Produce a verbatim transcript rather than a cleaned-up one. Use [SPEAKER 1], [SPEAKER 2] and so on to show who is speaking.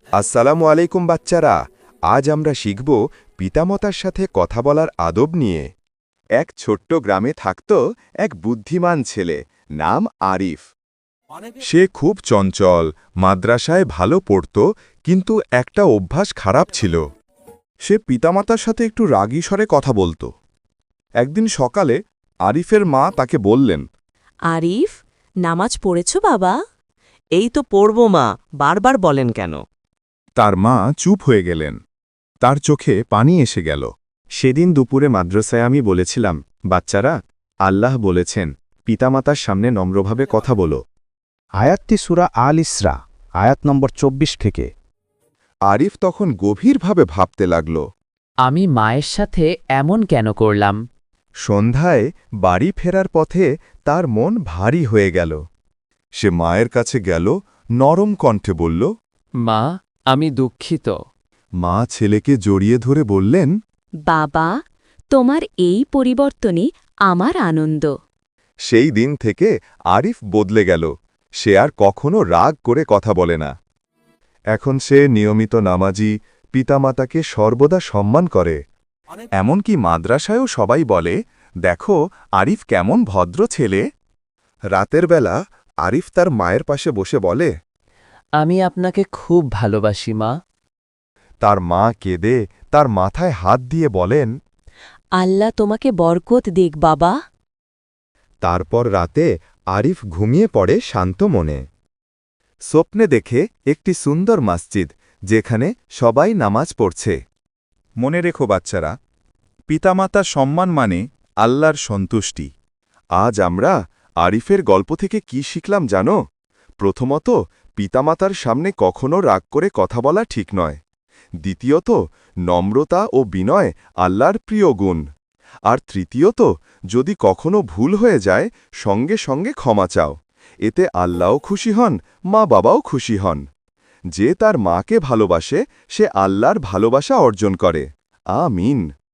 [SPEAKER 1] আসসালামু আলাইকুম বাচ্চারা, আজ আমরা শিখব পিতামাতার সাথে কথা বলার আদব নিয়ে। এক ছোট্ট গ্রামে থাকত এক বুদ্ধিমান ছেলে, নাম আরিফ। সে খুব চঞ্চল, মাদ্রাসায় ভালো পড়ত, কিন্তু একটা অভ্যাস খারাপ ছিল। সে পিতামাতার সাথে একটু রাগী স্বরে কথা বলত। একদিন সকালে আরিফের মা তাকে বললেন,
[SPEAKER 2] আরিফ, নামাজ পড়েছ বাবা? এই তো পড়ব মা, বারবার বলেন কেন?
[SPEAKER 1] তার মা চুপ হয়ে গেলেন। তার চোখে পানি এসে গেল। সেদিন দুপুরে মাদ্রাসায় আমি বলেছিলাম, বাচ্চারা, আল্লাহ বলেছেন পিতামাতার সামনে নম্রভাবে কথা বলো।
[SPEAKER 3] আয়াতটি সূরা আল ইসরা, আয়াত নম্বর চব্বিশ থেকে।
[SPEAKER 1] আরিফ তখন গভীরভাবে ভাবতে লাগল।
[SPEAKER 4] আমি মায়ের সাথে এমন কেন করলাম?
[SPEAKER 1] সন্ধ্যায় বাড়ি ফেরার পথে তার মন ভারী হয়ে গেল। সে মায়ের কাছে গেল, নরম কণ্ঠে বলল,
[SPEAKER 4] মা, আমি দুঃখিত।
[SPEAKER 1] মা ছেলেকে জড়িয়ে ধরে বললেন,
[SPEAKER 5] বাবা, তোমার এই পরিবর্তনই আমার আনন্দ।
[SPEAKER 1] সেই দিন থেকে আরিফ বদলে গেল। সে আর কখনো রাগ করে কথা বলে না। এখন সে নিয়মিত নামাজি, পিতামাতাকে সর্বদা সম্মান করে। এমনকি মাদ্রাসায়ও সবাই বলে, দেখো আরিফ কেমন ভদ্র ছেলে। রাতের বেলা আরিফ তার মায়ের পাশে বসে বলে,
[SPEAKER 4] আমি আপনাকে খুব ভালোবাসি মা।
[SPEAKER 1] তার মা কেঁদে তার মাথায় হাত দিয়ে বলেন,
[SPEAKER 5] আল্লাহ তোমাকে বরকত দিক বাবা।
[SPEAKER 1] তারপর রাতে আরিফ ঘুমিয়ে পড়ে শান্ত মনে। স্বপ্নে দেখে একটি সুন্দর মসজিদ, যেখানে সবাই নামাজ পড়ছে। মনে রেখো বাচ্চারা, পিতামাতা সম্মান মানে আল্লাহর সন্তুষ্টি। আজ আমরা আরিফের গল্প থেকে কি শিখলাম জানো? প্রথমত, পিতামাতার সামনে কখনো রাগ করে কথা বলা ঠিক নয়। দ্বিতীয়ত, নম্রতা ও বিনয় আল্লাহর প্রিয় গুণ। আর তৃতীয়ত, যদি কখনো ভুল হয়ে যায়, সঙ্গে সঙ্গে ক্ষমা চাও। এতে আল্লাহও খুশি হন, মা বাবাও খুশি হন। যে তার মাকে ভালোবাসে, সে আল্লাহর ভালোবাসা অর্জন করে। আমিন।